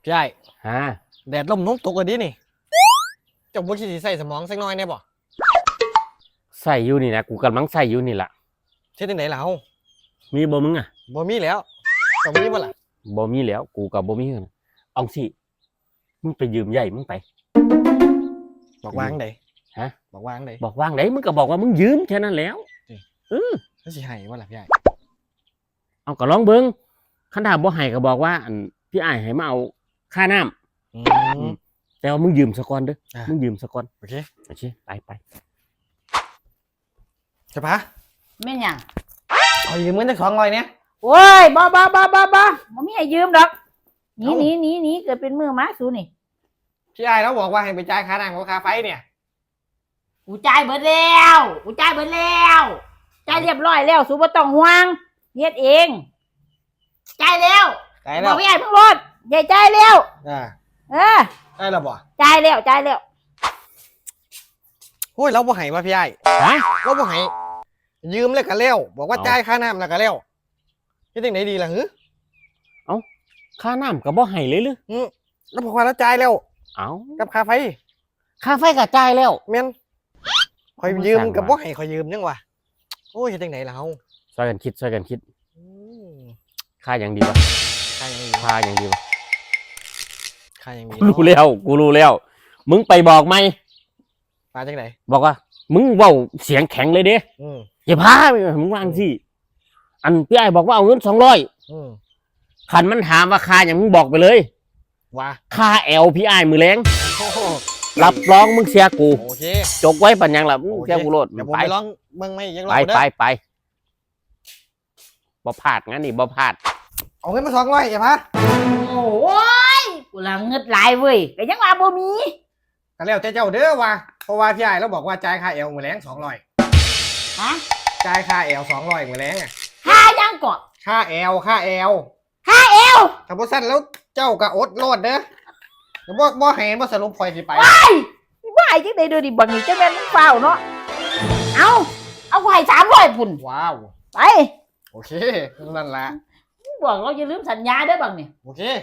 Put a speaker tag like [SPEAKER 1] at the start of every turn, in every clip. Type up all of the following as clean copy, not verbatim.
[SPEAKER 1] พี่ใหญ่
[SPEAKER 2] ฮะ
[SPEAKER 1] แดดลมน้มตกกันดินี่เจ้าบุคิดสิใส่สมองสักหน่อยได้บ่
[SPEAKER 2] ใส่อยู่นี่นะกูกำลังใส่อยู่นี่แหละ
[SPEAKER 1] เฮ็ดจังได๋ล่ะเฮา
[SPEAKER 2] มีบ่มึงอ่ะ
[SPEAKER 1] บ่มีแล้วต้องมีบ่ล่ะ
[SPEAKER 2] บ่มีแล้วกูกับบ่มีกันเอาสิมึงไปยืมใหญ่มึงไป
[SPEAKER 1] บอกวางได
[SPEAKER 2] ฮะ
[SPEAKER 1] บอกวางได
[SPEAKER 2] บอกว่างไหนมึงก็บอกว่ามึงยืมแค่นั้นแล้ว
[SPEAKER 1] แล้วสิให้บ่ล่ะพี่ใหญ่
[SPEAKER 2] เอาก็ลองเบิ่งคันถ้าบ่ให้ก็บอกว่าอันพี่อ้ายให้มาเอาค่าน้ำแต่ว่ามึงยืมซะก่อนเด้อมึงยืมซะก่อน
[SPEAKER 1] โอเค
[SPEAKER 2] ไป
[SPEAKER 1] ใช่ปะ
[SPEAKER 3] แม่นหยัง
[SPEAKER 1] ขอยืมเงินจัก200เนี่ย
[SPEAKER 3] โอ้ยบ่มีให้ยืมดอกหนีเกิดเป็นมือม้าสูนี่
[SPEAKER 1] พี่ใหญ่แล้วบอกว่าให้ไปจ่ายค่าน้ำกับค่าไฟเนี่ย
[SPEAKER 3] กูจ่ายเบิดแล้วจ่ายเรียบร้อยแล้วสูบ่ต้องห่วงเฮ็ดเองจ่ายแล้วบอกพี่ใหญ่เพิ่งรถใหญ่จ่ายแล้ว
[SPEAKER 1] ได้แล้วบ่
[SPEAKER 3] จ่ายแล้ว
[SPEAKER 1] โอ้ยเราบ่ให้ว่าพี่ใหญ่เราบ่ให้ยืมแล้วก็แล้วบอกว่าจ่ายค่าน้ำแล้วก็แล้วเฮ็ดจังได๋ดีล่ะ
[SPEAKER 2] ค่าน้ำก็บ่ให้เลยหรือ
[SPEAKER 1] แล้วบอกว่าเราจ่ายแล้วกับค่าไฟ
[SPEAKER 2] ก็จ่ายแล้ว
[SPEAKER 1] แม่นข่อยยืมกับบ่ให้ข่อยยืมจังวะโอ้ยเฮ็ดจังได๋ล่ะเฮา
[SPEAKER 2] ช่วยกันคิดค่าอย่างดีวะ
[SPEAKER 1] ค่าอย่างดี
[SPEAKER 2] ค่าอย่างดีวะ
[SPEAKER 1] กู
[SPEAKER 2] รู้แล้วมึงไปบอกไหม
[SPEAKER 1] มาจังได๋
[SPEAKER 2] บอกว่ามึงเว้าเสียงแข็งเลยเด้อย่าพามึงวางสิอันพี่ไอ้บอกว่าเอาเงิน200คันมันถามว่าค่าอย่างมึงบอกไปเลย
[SPEAKER 1] ว่า
[SPEAKER 2] ค่าแอลพี่ไอ้มือแรงรับรองมึงเสียกู
[SPEAKER 1] โอเค
[SPEAKER 2] จกไว้ปัญญังล่ะมึงเสียกูโลด
[SPEAKER 1] เดี๋ยวผมไปร้องเบิ่งไม่ยังรอ
[SPEAKER 2] เด้อไปบ่พลาดงั้นนี่บ่พลาด
[SPEAKER 1] เอาเงินมา200อย่าพา
[SPEAKER 3] โอ้ยกูละเงิดหลายเว้ยก็ยังว่าบ่มี
[SPEAKER 1] ก็แล้วแต่เจ้าเด้อว่าเพราะว่าพี่ใหญ่เราบอกว่าจ่ายค่าแอลมื้อแรง200
[SPEAKER 3] ฮะ
[SPEAKER 1] จ่ายค่าแอล200มื้อแรง
[SPEAKER 3] ค่ายังก่อ
[SPEAKER 1] ค่าแอล
[SPEAKER 3] ถ้า
[SPEAKER 1] บ่ซั่นแล้วเจ้าก็อดโลดเด้อบ่ให้บ่สรุปข่อยสิไป
[SPEAKER 3] ว่าจังได๋เด้อดิบักนี่จังแม่นมึงเฝ้าเนาะเอาไว้300พุ่น
[SPEAKER 1] ว้าว
[SPEAKER 3] ไป
[SPEAKER 1] โอเคนั่นล่ะ
[SPEAKER 3] บอกเราอย่าลืมสัญญาเด้อบักนี่
[SPEAKER 1] โอเค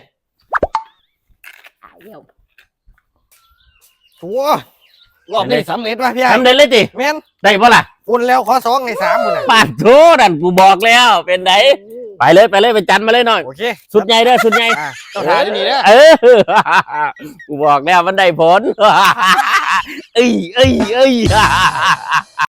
[SPEAKER 3] เดี๋ยว
[SPEAKER 1] ตัวรอบนี้สำเร็จว่ะพี่ใหญ่
[SPEAKER 2] สำเร็จเลยติ
[SPEAKER 1] แม่น
[SPEAKER 2] ได้บ่ล่ะ
[SPEAKER 1] อุ่นแล้วขอ2ให้3พุ่นน่ะ
[SPEAKER 2] ปาดโธ่นั่นกูบอกแล้วเป็นไดไปเลยไปจันมาเลยหน่อย
[SPEAKER 1] โอเค
[SPEAKER 2] สุดใหญ่เด้อสุดใหญ่
[SPEAKER 1] ต้องหาดีๆเด้อ
[SPEAKER 2] กูบอกแล้วมันได้ผลเอ้ย